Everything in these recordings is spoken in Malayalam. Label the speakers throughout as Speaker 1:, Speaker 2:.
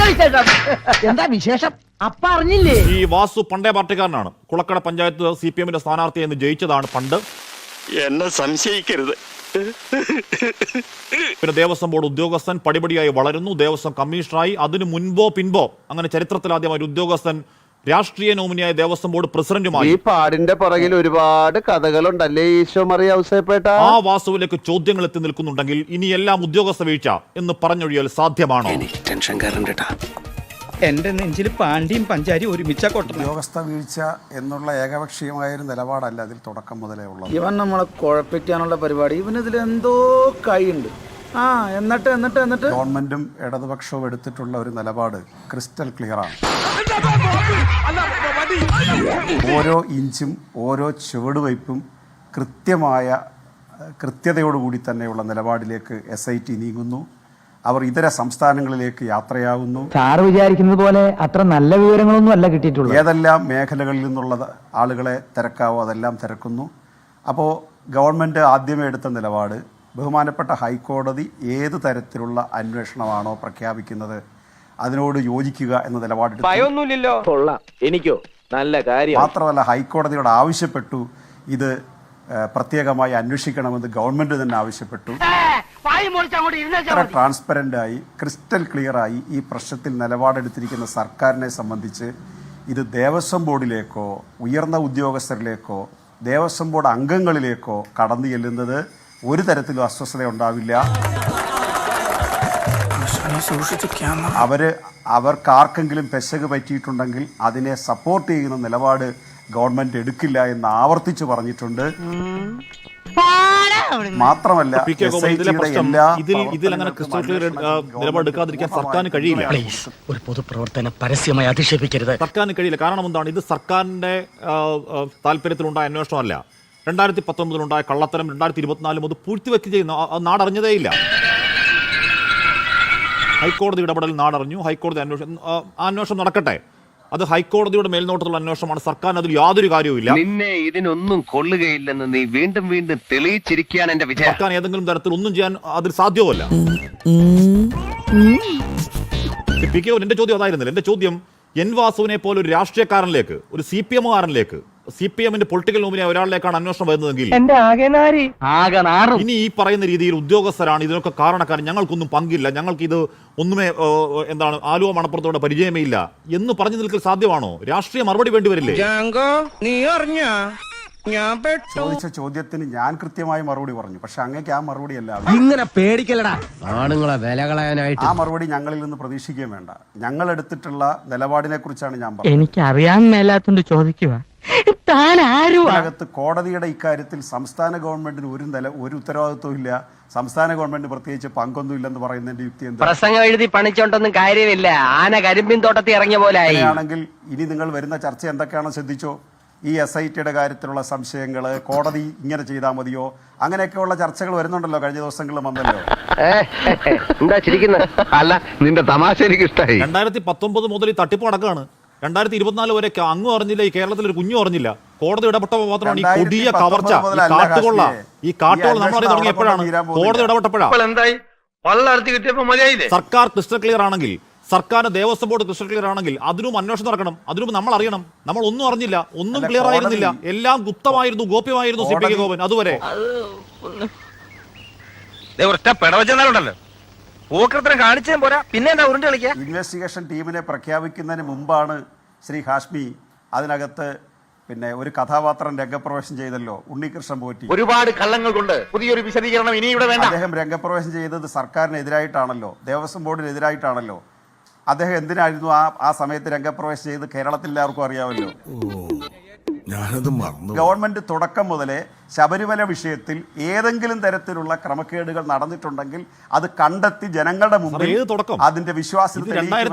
Speaker 1: എന്താ വിശേഷം? അപ്പ അറിഞ്ഞില്ലേ?
Speaker 2: ഈ വാസു പണ്ടേ പാർട്ടിക്കാരനാണ്. കുളക്കട പഞ്ചായത്ത് CPM-ന്റെ സ്ഥാനാർത്ഥിയെ ജയിച്ചതാണ് പണ്ട്.
Speaker 3: എന്നെ സംശയിക്കരുത്.
Speaker 2: പിന്നെ ദേവസ്വം ബോർഡ് ഉദ്യോഗസ്ഥൻ പടിപടിയായി വളരുന്നു. ദേവസ്വം കമ്മീഷണറായി. അതിനു മുൻപോ പിൻപോ അങ്ങനെ ചരിത്രത്തിലാദ്യമായി ഒരു ഉദ്യോഗസ്ഥൻ രാഷ്ട്രീയ നോമിനിയായ ദേവസ്വം ബോർഡ് പ്രസിഡന്റുമായി.
Speaker 4: ഈ പാടിന്റെ പുറകിൽ ഒരുപാട് കഥകളുണ്ടല്ലേ ഈശോ മറിയ ഔസേപ്പേട്ട.
Speaker 2: ആ വാസുവിലേക്ക് ചോദ്യങ്ങൾ എത്തി നിൽക്കുന്നുണ്ടെങ്കിൽ ഇനി എല്ലാം ഉദ്യോഗസ്ഥ വീഴ്ച എന്ന് പറഞ്ഞൊഴിയാൽ സാധ്യമാണോ?
Speaker 5: എന്റെ നെഞ്ചിൽ പാണ്ടിയും പഞ്ചാരിയും ഒരുമിച്ച കൊട്ട.
Speaker 6: ഉദ്യോഗസ്ഥ വീഴ്ച എന്നുള്ള ഏകപക്ഷീയമായൊരു നിലപാടല്ല അതിൽ തുടക്കം മുതലേ ഉള്ളത്.
Speaker 5: ഇവൻ നമ്മളെ കുഴപ്പിക്കാനുള്ള പരിപാടി, ഇവനിതിൽ എന്തോ കൈയുണ്ട്. എന്നിട്ട്
Speaker 6: ഗവൺമെന്റും ഇടതുപക്ഷവും എടുത്തിട്ടുള്ള ഒരു നിലപാട് ക്രിസ്റ്റൽ ക്ലിയറാണ്. ഓരോ ഇഞ്ചും ഓരോ ചുവടുവയ്പും കൃത്യതയോടുകൂടി തന്നെയുള്ള നിലപാടിലേക്ക് SIT നീങ്ങുന്നു. അവർ ഇതര സംസ്ഥാനങ്ങളിലേക്ക് യാത്രയാവുന്നു.
Speaker 1: സാറ് വിചാരിക്കുന്നത് പോലെ അത്ര നല്ല വിവരങ്ങളൊന്നും അല്ല കിട്ടിയിട്ടുള്ളത്.
Speaker 6: ഏതെല്ലാം മേഖലകളിൽ നിന്നുള്ള ആളുകളെ തിരക്കാവോ അതെല്ലാം തിരക്കുന്നു. അപ്പോൾ ഗവൺമെൻറ് ആദ്യമേ എടുത്ത നിലപാട് ബഹുമാനപ്പെട്ട ഹൈക്കോടതി ഏത് തരത്തിലുള്ള അന്വേഷണമാണോ പ്രഖ്യാപിക്കുന്നത് അതിനോട് യോജിക്കുക എന്ന നിലപാടെടുത്തു.
Speaker 4: എനിക്കോ നല്ല കാര്യം.
Speaker 6: മാത്രമല്ല ഹൈക്കോടതിയോട് ആവശ്യപ്പെട്ടു ഇത് പ്രത്യേകമായി അന്വേഷിക്കണമെന്ന് ഗവൺമെന്റ് തന്നെ ആവശ്യപ്പെട്ടു. ട്രാൻസ്പെറൻ്റായി ക്രിസ്റ്റൽ ക്ലിയറായി ഈ പ്രശ്നത്തിൽ നിലപാടെടുത്തിരിക്കുന്ന സർക്കാരിനെ സംബന്ധിച്ച് ഇത് ദേവസ്വം ബോർഡിലേക്കോ ഉയർന്ന ഉദ്യോഗസ്ഥരിലേക്കോ ദേവസ്വം ബോർഡ് അംഗങ്ങളിലേക്കോ കടന്നു ചെല്ലുന്നത് ഒരു തരത്തിലും അസ്വസ്ഥത ഉണ്ടാവില്ല. അവർക്കാർക്കെങ്കിലും പെശക് പറ്റിയിട്ടുണ്ടെങ്കിൽ അതിനെ സപ്പോർട്ട് ചെയ്യുന്ന നിലപാട് ഗവൺമെന്റ് എടുക്കില്ല എന്ന് ആവർത്തിച്ചു പറഞ്ഞിട്ടുണ്ട്. മാത്രമല്ല
Speaker 2: നിലപാടെടുക്കാതിരിക്കാൻ സർക്കാരിന് കഴിയില്ല.
Speaker 1: ഒരു പൊതുപ്രവർത്തനം പരസ്യമായി അധിക്ഷേപിക്കരുത്.
Speaker 2: സർക്കാരിന് കഴിയില്ല. കാരണം എന്താണ്? ഇത് സർക്കാരിന്റെ താല്പര്യത്തിലുണ്ടായ അന്വേഷണമല്ല. 2019 കള്ളത്തരം 2024 അത് പൂഴ്ത്തിവെക്ക് ചെയ്യുന്ന നാടറിഞ്ഞതേയില്ല. ഹൈക്കോടതി ഇടപെടൽ നാടറിഞ്ഞു. ഹൈക്കോടതി അന്വേഷണം നടക്കട്ടെ. അത് ഹൈക്കോടതിയുടെ മേൽനോട്ടത്തിലുള്ള അന്വേഷണമാണ്. സർക്കാരിന് അതിൽ യാതൊരു കാര്യവുമില്ല.
Speaker 3: നിന്നെ ഇതിനൊന്നും കൊള്ളുകയില്ലെന്ന് നീ വീണ്ടും വീണ്ടും തെളിയിച്ചിരിക്കുകയാണ് എന്റെ വിജയം.
Speaker 2: സർക്കാർ ഏതെങ്കിലും തരത്തിൽ ഒന്നും ചെയ്യാൻ അതിൽ സാധ്യമല്ല. എന്റെ ചോദ്യം അതായിരുന്നില്ല. എന്റെ ചോദ്യം എൻ വാസുവിനെ പോലെ ഒരു രാഷ്ട്രീയക്കാരനിലേക്ക്, ഒരു CPM-കാരനിലേക്ക്, CPM-ന്റെ പൊളിറ്റിക്കൽ നോമിനിയായ ഒരാളിലേക്കാണ് അന്വേഷണം വരുന്നതെങ്കിൽ ഇനി ഈ പറയുന്ന രീതിയിൽ ഉദ്യോഗസ്ഥരാണ് ഇതിനൊക്കെ കാരണക്കാരൻ, ഞങ്ങൾക്കൊന്നും പങ്കില്ല, ഞങ്ങൾക്ക് ഇത് ഒന്നുമേ ആലുവ മണപ്പുറത്തോടെ പരിചയമേ ഇല്ല എന്ന് പറഞ്ഞു നിൽക്കൽ സാധ്യമാണോ? രാഷ്ട്രീയ മറുപടി വേണ്ടി വരില്ലേ?
Speaker 6: ചോദിച്ച ചോദ്യത്തിന് ഞാൻ കൃത്യമായി മറുപടി പറഞ്ഞു. പക്ഷെ അങ്ങേക്ക് ആ മറുപടി അല്ല.
Speaker 4: ഇങ്ങനെ പേടിക്കലടാ ആണുങ്ങളെ വില കളയാനായിട്ട്.
Speaker 6: ആ മറുപടി ഞങ്ങളിൽ നിന്ന് പ്രതീക്ഷിക്കുകയും വേണ്ട. ഞങ്ങൾ എടുത്തിട്ടുള്ള നിലപാടിനെ കുറിച്ചാണ് ഞാൻ പറഞ്ഞത്.
Speaker 1: എനിക്ക് അറിയാൻ മേലാത്തോണ്ട് ചോദിക്കുക.
Speaker 6: അതിനകത്ത് കോടതിയുടെ ഇക്കാര്യത്തിൽ സംസ്ഥാന ഗവൺമെന്റിന് ഒരു ഉത്തരവാദിത്വം ഇല്ല. സംസ്ഥാന ഗവൺമെന്റ് പ്രത്യേകിച്ച് പങ്കൊന്നും ഇല്ലെന്ന് പറയുന്നതിന്റെ യുക്തി എന്താ?
Speaker 4: പ്രസംഗം എഴുതി പണിച്ചോണ്ടൊന്നും കാര്യമില്ല. ആന കരിമ്പിൻ തോട്ടത്തിൽ ഇറങ്ങിയ പോലെ
Speaker 6: ആണെങ്കിൽ ഇനി നിങ്ങൾ വരുന്ന ചർച്ച എന്തൊക്കെയാണോ ശ്രദ്ധിച്ചോ. ഈ SIT-യുടെ കാര്യത്തിലുള്ള സംശയങ്ങൾ, കോടതി ഇങ്ങനെ ചെയ്താൽ മതിയോ, അങ്ങനെയൊക്കെയുള്ള ചർച്ചകൾ വരുന്നുണ്ടല്ലോ. കഴിഞ്ഞ ദിവസങ്ങളിൽ വന്നല്ലോ.
Speaker 4: എന്താ ചിരിക്കുന്നത്? അല്ല, നിന്റെ തമാശ എനിക്ക് ഇഷ്ടമായി.
Speaker 2: 2019 മുതൽ ഈ തട്ടിപ്പ് നടക്കുകയാണ്. 2024 വരെ അങ്ങും അറിഞ്ഞില്ല, ഈ കേരളത്തിൽ ഒരു കുഞ്ഞും അറിഞ്ഞില്ല. കോടതി ഇടപെട്ട മാത്രമാണ് ഈ കൊടിയ കവർച്ച, ഈ കാട്ടുകൊള്ള നമ്മൾ അറിയാൻ തുടങ്ങി എപ്പോഴാണ്? കോടതി ഇടപെട്ടപ്പോഴാണ്. സർക്കാർ ക്രിസ്റ്റൽ ക്ലിയർ ആണെങ്കിൽ, സർക്കാരിന്റെ ദേവസ്വം ബോർഡ് ക്രിസ്റ്റൽ ക്ലിയർ ആണെങ്കിൽ അതിനും അന്വേഷണം നടക്കണം. അതിനും നമ്മൾ അറിയണം. നമ്മൾ ഒന്നും അറിഞ്ഞില്ല, ഒന്നും ക്ലിയർ ആയിരുന്നില്ല, എല്ലാം ഗുപ്തമായിരുന്നു, ഗോപ്യമായിരുന്നു. CPK ഗോപൻ അതുവരെ
Speaker 6: ഇൻവെസ്റ്റിഗേഷൻ ടീമിനെ പ്രഖ്യാപിക്കുന്നതിന് മുമ്പാണ് ശ്രീ ഹാഷ്മി അതിനകത്ത് ഒരു കഥാപാത്രം രംഗപ്രവേശം ചെയ്തല്ലോ, ഉണ്ണികൃഷ്ണൻ പോറ്റി.
Speaker 3: ഒരുപാട് കള്ളങ്ങൾ കൊണ്ട് പുതിയൊരു വിശദീകരണം ഇനി ഇവിടെ വേണ്ട.
Speaker 6: അദ്ദേഹം രംഗപ്രവേശം ചെയ്തത് സർക്കാരിനെതിരായിട്ടാണല്ലോ, ദേവസ്വം ബോർഡിനെതിരായിട്ടാണല്ലോ. അദ്ദേഹം എന്തിനായിരുന്നു ആ സമയത്ത് രംഗപ്രവേശം ചെയ്ത് കേരളത്തിൽ എല്ലാവർക്കും അറിയാമല്ലോ. ഗവൺമെന്റ് തുടക്കം മുതലേ ശബരിമല വിഷയത്തിൽ ഏതെങ്കിലും തരത്തിലുള്ള ക്രമക്കേടുകൾ നടന്നിട്ടുണ്ടെങ്കിൽ അത് കണ്ടെത്തി ജനങ്ങളുടെ മുമ്പിൽ അതിന്റെ വിശ്വാസത്തിൽ അല്ലാതെ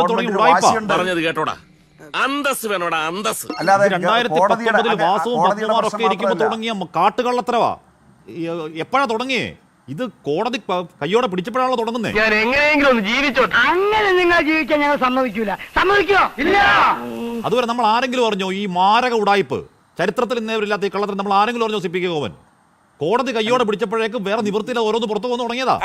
Speaker 2: കാട്ടുകള്ളത്തരവാ എപ്പോഴാ തുടങ്ങിയേ? ഇത് കോടതി കയ്യോടെ പിടിച്ചപ്പോഴാണല്ലോ തുടങ്ങുന്നത്.
Speaker 4: ഞാൻ എങ്ങനെയെങ്കിലും ഒന്ന് ജീവിച്ചോ. അങ്ങനെ നിങ്ങൾ ജീവിക്കാൻ ഞങ്ങൾ സമ്മതിക്കൂല. സമ്മതിക്കോ? ഇല്ല.
Speaker 2: അതുവരെ നമ്മൾ ആരെങ്കിലും അറിഞ്ഞോ ഈ മാരക ഉടായ്പ്? ചരിത്രത്തിൽ ഇന്നേവരില്ലാത്ത ഈ കള്ളത്തിൽ നമ്മൾ ആരെങ്കിലും അറിഞ്ഞോ? CPK ഗോപൻ കോടതി കയ്യോടെ പിടിച്ചപ്പോഴേക്കും വേറെ നിവൃത്തിയില്ല, ഓരോന്ന് പുറത്തു വന്നു തുടങ്ങിയതാ.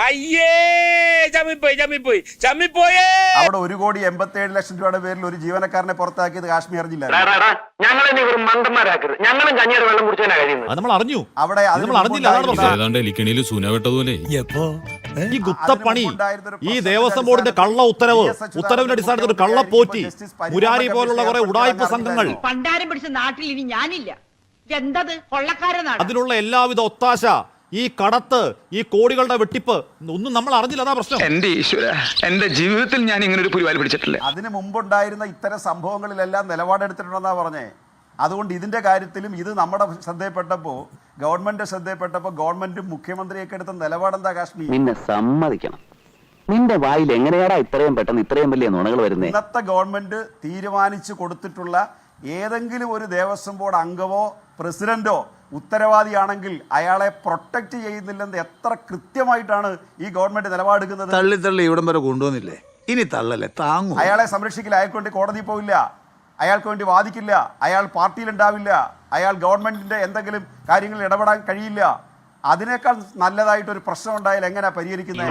Speaker 6: അവിടെ 1,87,00,000 രൂപയുടെ പേരിൽ ഒരു ജീവനക്കാരനെ പുറത്താക്കിയത് കാശ്മീർ അറിഞ്ഞില്ല.
Speaker 4: ഞങ്ങളെ നീ വെറും മണ്ടന്മാരാക്കരുത്. ഞങ്ങളും കഞ്ഞിയുടെ വെള്ളം കുടിച്ചാൽ കഴിയുന്നത്.
Speaker 2: അത് നമ്മൾ അറിഞ്ഞു,
Speaker 6: അവിടെ
Speaker 2: അത് നമ്മൾ അറിഞ്ഞില്ല, അതാണ് പ്രശ്നം. ഈ ഗുത്തപ്പണി, ഈ ദേവസ്വം ബോർഡിന്റെ കള്ള ഉത്തരവിന്റെ അടിസ്ഥാനത്തിൽ ഒരു കള്ളപ്പോറ്റി, മുരാരി പോലുള്ള കുറെ ഉടായ്പ സംഘങ്ങൾ,
Speaker 7: പണ്ടാരം പിടിച്ച നാട്ടിൽ ഇനി ഞാനില്ല. എന്തത് കൊള്ളക്കാരനാണ്.
Speaker 2: അതിനുള്ള എല്ലാവിധ ഒത്താശ, ഈ കടത്ത്, ഈ കോടികളുടെ വെട്ടിപ്പ് ഒന്നും നമ്മൾ അറിഞ്ഞില്ല, അതാ പ്രശ്നം.
Speaker 8: എന്റെ ഈശ്വര, എന്റെ ജീവിതത്തിൽ ഞാൻ ഇങ്ങനെ ഒരു പുലിവാൽ പിടിച്ചിട്ടില്ല.
Speaker 6: അതിന് മുമ്പുണ്ടായിരുന്ന ഇത്തരം സംഭവങ്ങളിലെല്ലാം നിലപാടെടുത്തിട്ടുണ്ടെന്നാ പറഞ്ഞേ. അതുകൊണ്ട് ഇതിന്റെ കാര്യത്തിലും ഇത് നമ്മുടെ ശ്രദ്ധയിൽപ്പെട്ടപ്പോൾ, ഗവൺമെന്റ് ശ്രദ്ധയിൽപ്പെട്ടപ്പോൾ ഗവൺമെന്റും മുഖ്യമന്ത്രിയൊക്കെ എടുത്ത നിലപാടെന്താ കാശ്മീർ?
Speaker 3: നിന്നെ സമ്മതിക്കണം, നിന്റെ വായിൽ എങ്ങനെയാടാ ഇത്രയും പെട്ടെന്ന് ഇത്രയും വലിയ നുണകൾ വരുന്നേ?
Speaker 6: ഇന്നത്തെ ഗവൺമെന്റ് തീരുമാനിച്ചു കൊടുത്തിട്ടുള്ള ഏതെങ്കിലും ഒരു ദേവസ്വം ബോർഡ് അംഗമോ പ്രസിഡന്റോ ഉത്തരവാദിയാണെങ്കിൽ അയാളെ പ്രൊട്ടക്ട് ചെയ്യുന്നില്ലെന്ന് എത്ര കൃത്യമായിട്ടാണ് ഈ ഗവൺമെന്റ് നിലപാടെടുക്കുന്നത്.
Speaker 5: തള്ളി ഇവിടം വരെ കൊണ്ടുവന്നില്ലേ, ഇനി തള്ളല്ലേ താങ്ങൂ.
Speaker 6: അയാളെ സംരക്ഷിക്കില്ല, അയാൾക്ക് വേണ്ടി കോടതി പോവില്ല, അയാൾക്ക് വേണ്ടി വാദിക്കില്ല, അയാൾ പാർട്ടിയിലുണ്ടാവില്ല, അയാൾ ഗവൺമെന്റിന്റെ എന്തെങ്കിലും കാര്യങ്ങളിൽ ഇടപെടാൻ കഴിയില്ല. അതിനേക്കാൾ നല്ലതായിട്ട് ഒരു പ്രശ്നം ഉണ്ടായാൽ എങ്ങനെയാ പരിഹരിക്കുന്നത്?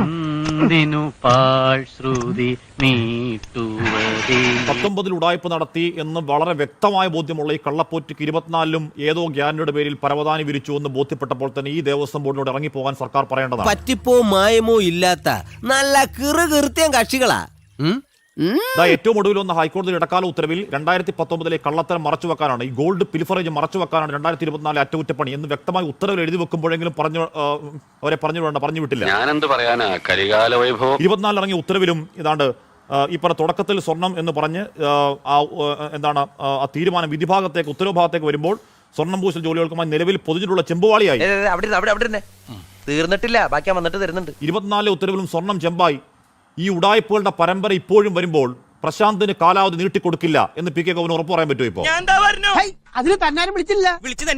Speaker 2: 19 ഉടായ്പ നടത്തി എന്ന് വളരെ വ്യക്തമായ ബോധ്യമുള്ള ഈ കള്ളപ്പോറ്റിക്ക് 24-ലും ഏതോ ഗ്യാരണ്ടിയുടെ പേരിൽ പരവതാനി വിരിച്ചു എന്ന് ബോധ്യപ്പെട്ടപ്പോൾ തന്നെ ഈ ദേവസ്വം ബോർഡിനോട് ഇറങ്ങിപ്പോകാൻ സർക്കാർ പറയേണ്ടതാണ്.
Speaker 9: പറ്റിപ്പോ മായമോ ഇല്ലാത്ത നല്ല കൃത്യം കക്ഷികളാ.
Speaker 2: ഏറ്റവും ഒടുവിൽ വന്ന ഹൈക്കോടതി ഇടക്കാല ഉത്തരവിൽ 2019 കള്ളത്തരം മറച്ചുവെക്കാനാണ്, ഈ ഗോൾഡ് പിൽഫറേജ് മറച്ചുവെക്കാനാണ് 2024 അറ്റകുറ്റപ്പണി എന്ന് വ്യക്തമായി ഉത്തരവിൽ എഴുതി വെക്കുമ്പോഴെങ്കിലും പറഞ്ഞു വിട്ടില്ല.
Speaker 3: ഞാനെന്ത് പറയാനാ, കരികാല വൈഭവം.
Speaker 2: 24 ഇറങ്ങിയ ഉത്തരവിലും ഇതാണ്ട് ഈ പറഞ്ഞ തുടക്കത്തിൽ സ്വർണം എന്ന് പറഞ്ഞ് ആ തീരുമാനം വിധിഭാഗത്തേക്ക് ഉത്തരവ് ഭാഗത്തേക്ക് വരുമ്പോൾ സ്വർണം പൂശൽ ജോലികൾക്കുമായി നിലവിൽ പൊതിഞ്ഞിട്ടുള്ള ചെമ്പുവാളിയായി.
Speaker 9: തീർന്നിട്ടില്ല, ബാക്കി വന്നിട്ട് തരുന്നുണ്ട്.
Speaker 2: 24 ഉത്തരവിലും സ്വർണം ചെമ്പായി. ഈ ഉടായ്പകളുടെ പരമ്പര ഇപ്പോഴും വരുമ്പോൾ പ്രശാന്തിന് കാലാവധി നീട്ടിക്കൊടുക്കില്ല എന്ന് പി കെ ഗോവിന് ഉറപ്പ് പറയാൻ പറ്റുമോ? ഇപ്പോ
Speaker 7: അതിന് തന്നാരും വിളിച്ചില്ല.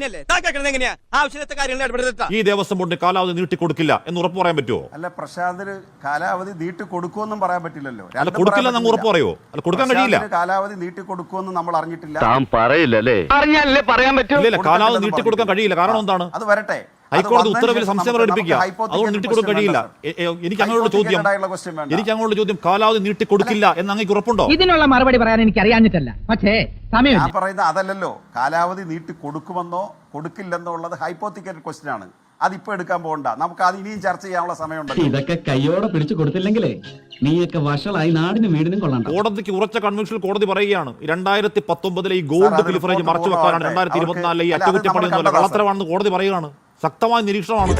Speaker 2: ഈ ദേവസ്വം ബോർഡിന് കാലാവധി നീട്ടിക്കൊടുക്കില്ല എന്ന് ഉറപ്പ് പറയാൻ പറ്റുമോ?
Speaker 6: അല്ല, പ്രശാന്തിന് കാലാവധി നീട്ടിക്കൊടുക്കുമെന്നും പറയാൻ പറ്റില്ലല്ലോ.
Speaker 2: അല്ല, കൊടുക്കില്ല അങ്ങ് ഉറപ്പ് പറയോ? അല്ല, കൊടുക്കാൻ കഴിയില്ല.
Speaker 6: കാലാവധി നീട്ടിക്കൊടുക്കുമെന്ന് നമ്മൾ അറിഞ്ഞിട്ടില്ല.
Speaker 3: പറയില്ലല്ലേ?
Speaker 4: അറിഞ്ഞാലേ പറയാൻ പറ്റൂ.
Speaker 2: ഇല്ല, കാലാവധി നീട്ടിക്കൊടുക്കാൻ കഴിയില്ല. കാരണം എന്താണ്?
Speaker 6: അത് വരട്ടെ.
Speaker 2: ഹൈക്കോടതി ഉത്തരവിൽ സംശയം പ്രകടിപ്പിക്കുക, അതുകൊണ്ട് നീട്ടിക്കൊടുക്കാൻ കഴിയില്ല. എനിക്ക് അങ്ങനെയുള്ള ചോദ്യം, കാലാവധി നീട്ടിക്കൊടുക്കില്ല എന്ന് അങ്ങേക്ക് ഉറപ്പുണ്ടോ?
Speaker 7: ഇതിനുള്ള മറുപടി പറയാൻ എനിക്ക് അറിയാഞ്ഞിട്ടല്ല, പക്ഷേ
Speaker 6: ഞാൻ പറയുന്നത് അതല്ലല്ലോ. കാലാവധി നീട്ടി കൊടുക്കുമെന്നോ കൊടുക്കില്ലെന്നോ ഉള്ളത് ഹൈപ്പോത്തിക്കൽ ക്വസ്റ്റ്യൻ ആണ്. അതിപ്പോ എടുക്കാൻ പോകണ്ട, നമുക്ക് അത് ഇനിയും ചർച്ച ചെയ്യാനുള്ള സമയമുണ്ട്.
Speaker 1: ഇതൊക്കെ കയ്യോടെ പിടിച്ചു കൊടുത്തില്ലെങ്കിലേ നീയൊക്കെ വഷളായി നാടിനും വീടിനും കൊള്ളാം.
Speaker 2: കോടതിക്ക് ഉറച്ച കൺവെൻഷനിൽ കോടതി പറയുകയാണ് 2019 ഈ ഗോൾഡ് പിൽഫറേജ് മറച്ചു വെക്കാനാണ് 2024 ഈ അറ്റകുറ്റപ്പണി എന്നല്ല, കള്ളത്തരമാണെന്ന് കോടതി പറയുകയാണ്. ശക്തമായ നിരീക്ഷണമാണ്.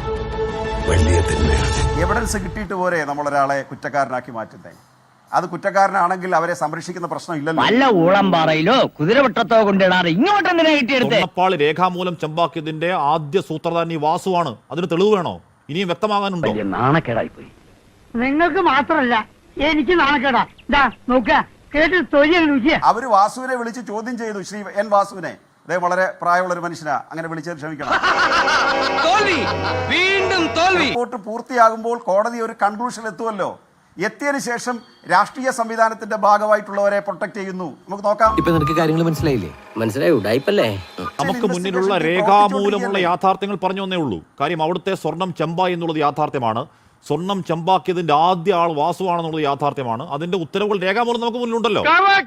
Speaker 6: എവിഡൻസ് കിട്ടിയിട്ട് പോരെ നമ്മളൊരാളെ കുറ്റക്കാരനാക്കി മാറ്റുന്നത്? അത് കുറ്റക്കാരനാണെങ്കിൽ അവരെ സംരക്ഷിക്കുന്ന പ്രശ്നം ഇല്ലല്ലോ.
Speaker 4: വല്ല ഊളംപാറയിലോ കുതിരവട്ടത്തോ കൊണ്ടിടാറ് ഇങ്ങോട്ടെന്തിനാ കിട്ടിയെടുത്ത്?
Speaker 2: സ്വർണ്ണപ്പാളി രേഖാമൂലം ചെമ്പാക്കിയതിന്റെ ആദ്യ സൂത്രധാരൻ ഈ വാസുവാണ്. അതിന് തെളിവ് വേണോ? ഇനിയും വ്യക്തമാകാനുണ്ടോ?
Speaker 3: നാണക്കേടായി പോയി.
Speaker 4: നിങ്ങൾക്ക് മാത്രമല്ല എനിക്ക് നാണക്കേടാ. നോക്ക കേട്ട് തൊഴിൽ
Speaker 6: അവര് വാസുവിനെ വിളിച്ച് ചോദ്യം ചെയ്തു, ശ്രീ എൻ വാസുവിനെ. അദ്ദേഹം വളരെ പ്രായമുള്ള ഒരു മനുഷ്യനാ, അങ്ങനെ വിളിച്ചത് ക്ഷമിക്കണം. റിപ്പോർട്ട് പൂർത്തിയാകുമ്പോൾ കോടതി ഒരു കൺക്ലൂഷൻ എത്തുമല്ലോ. എത്തിയതിനു ശേഷം രാഷ്ട്രീയ സംവിധാനത്തിന്റെ ഭാഗമായിട്ടുള്ളവരെ പ്രൊട്ടക്ട് ചെയ്യുന്നു. നമുക്ക് നോക്കാം.
Speaker 9: ഇപ്പൊ നിനക്ക് കാര്യങ്ങൾ മനസ്സിലായില്ലേ? മനസ്സിലായി, ഉടായിപ്പല്ലേ?
Speaker 2: നമുക്ക് മുന്നിലുള്ള രേഖാമൂലമുള്ള യാഥാർത്ഥ്യങ്ങൾ പറഞ്ഞു വന്നേ ഉള്ളൂ. കാര്യം അവിടുത്തെ സ്വർണം ചെമ്പായി എന്നുള്ളത് യാഥാർത്ഥ്യമാണ്. സ്വർണം ചെമ്പാക്കിയതിന്റെ ആദ്യ ആൾ വാസുവാണെന്നുള്ളത് യാഥാർത്ഥ്യമാണ്. അതിന്റെ ഉത്തരവുകൾ രേഖാമൂലം നമുക്ക് മുന്നിലുണ്ടല്ലോ.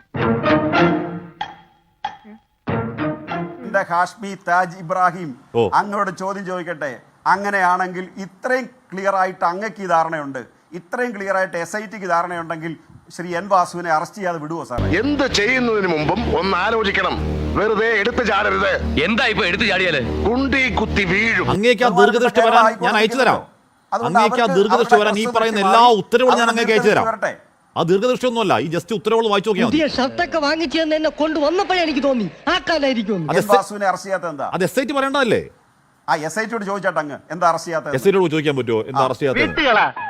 Speaker 6: ഹാഷ്മി താജ് ഇബ്രാഹിം, അങ്ങോട്ട് ചോദ്യം ചോദിക്കട്ടെ. അങ്ങനെയാണെങ്കിൽ ഇത്രയും ക്ലിയർ ആയിട്ട് അങ്ങക്ക് ഈ ധാരണയുണ്ട്, ഇത്രയും ക്ലിയർ ആയിട്ട് SITക്ക് ധാരണയുണ്ടെങ്കിൽ ശ്രീ എൻ വാസുവിനെ അറസ്റ്റ് ചെയ്യാതെ വിടുവോ സാറേ?
Speaker 8: എന്ത് ചെയ്യുന്നതിന് മുമ്പും ഒന്ന് ആലോചിക്കണം. വെറുതെ എടുത്തു ചാടരുത്.
Speaker 9: എന്താ ഇപ്പൊ എടുത്തു ചാടിയാല്?
Speaker 8: കുണ്ടി കുത്തി വീഴും.
Speaker 2: അങ്ങേക്ക് ആ ദീർഘദൃഷ്ടി വരാൻ ഞാൻ അയച്ചു തരാം. അങ്ങേക്ക് ആ ദീർഘദൃഷ്ടി വരാൻ ഈ പറയുന്ന എല്ലാ ഉത്തരവുകളും ഞാൻ അങ്ങേക്ക് അയച്ചു തരാം. ആ ദീർഘദൃഷ്ടി ഒന്നുമല്ല, ഈ ജസ്റ്റ് ഉത്തരവുകൾ വായിച്ചു നോക്കിയാൽ മതി.
Speaker 7: ഷർട്ടൊക്കെ വാങ്ങിച്ചു എന്നെ കൊണ്ടുവന്നപ്പോഴേ എനിക്ക് തോന്നി ആ കാലായിരിക്കും.
Speaker 6: വാസുവിനെ അറസ്റ്റ് ചെയ്യാത്ത എന്താ?
Speaker 2: അത് SIT പറയേണ്ടതല്ലേ?
Speaker 6: ആ SITയോട് ചോദിച്ചാട്ടെ അങ്ങ് എന്താ അറസ്റ്റ് ചെയ്യാത്ത?
Speaker 2: SITയോട് ചോദിക്കാൻ പറ്റുമോ എന്താ അറസ്റ്റ് ചെയ്യാത്തത്?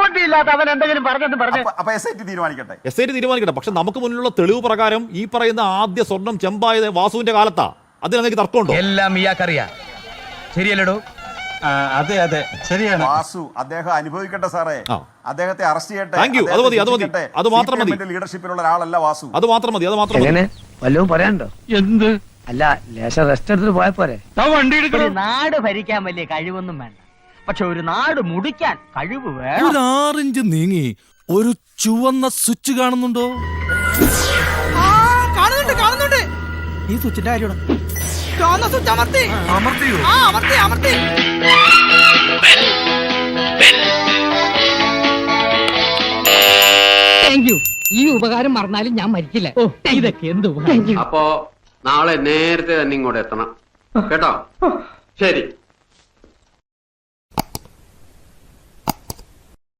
Speaker 6: അപ്പൊ SIT തീരുമാനിക്കട്ടെ.
Speaker 2: SIT തീരുമാനിക്കട്ടെ. പക്ഷെ നമുക്ക് മുന്നിലുള്ള തെളിവ് പ്രകാരം ഈ പറയുന്ന ആദ്യ സ്വർണം ചെമ്പായത് വാസുവിന്റെ കാലത്താ. അതിൽ എനിക്ക് തർക്കമുണ്ടോ?
Speaker 9: എല്ലാം ഇയാൾക്കറിയാം, ശരിയല്ലടോ?
Speaker 1: അതെ അതെ ശരിയാണ്.
Speaker 6: വാസു അദ്ദേഹം അനുഭവിക്കട്ടെ സാറേ, അദ്ദേഹത്തെ അറസ്റ്റ് ചെയ്യട്ടെ.
Speaker 2: അത് മാത്രം മതി.
Speaker 6: ലീഡർഷിപ്പിലുള്ള ഒരാളല്ല വാസു.
Speaker 2: അത് മാത്രം മതി.
Speaker 4: വല്ലതും പറയാനുണ്ടോ? എന്ത്
Speaker 5: അല്ല ലേശം റെസ്റ്റ് എടുത്തിട്ട് പോയാൽ പോരെ?
Speaker 4: ഒരു നാട് ഭരിക്കാൻ വലിയ കഴിവൊന്നും വേണ്ട, പക്ഷെ ഒരു നാട് മുടിക്കാൻ കഴിവ് വേണം.
Speaker 9: ഒരു 6 ഇഞ്ച് നീങ്ങി ഒരു ചുവന്ന സ്വിച്ച് കാണുന്നുണ്ടോ?
Speaker 4: കാണുന്നുണ്ട്.
Speaker 9: ഈ സ്വിച്ചിന്റെ കാര്യമാണ്.
Speaker 4: ചുവന്ന സ്വിച്ച് അമർത്തി. അമർത്തി. Thank you. ഈ ഉപകാരം മറന്നാലും ഞാൻ മരിക്കില്ല. ഇതൊക്കെ എന്ത് ഉപകാരം.
Speaker 10: അപ്പോ നാളെ നേരത്തെ തന്നെ ഇങ്ങോട്ട് എത്തണം കേട്ടോ. ശരി.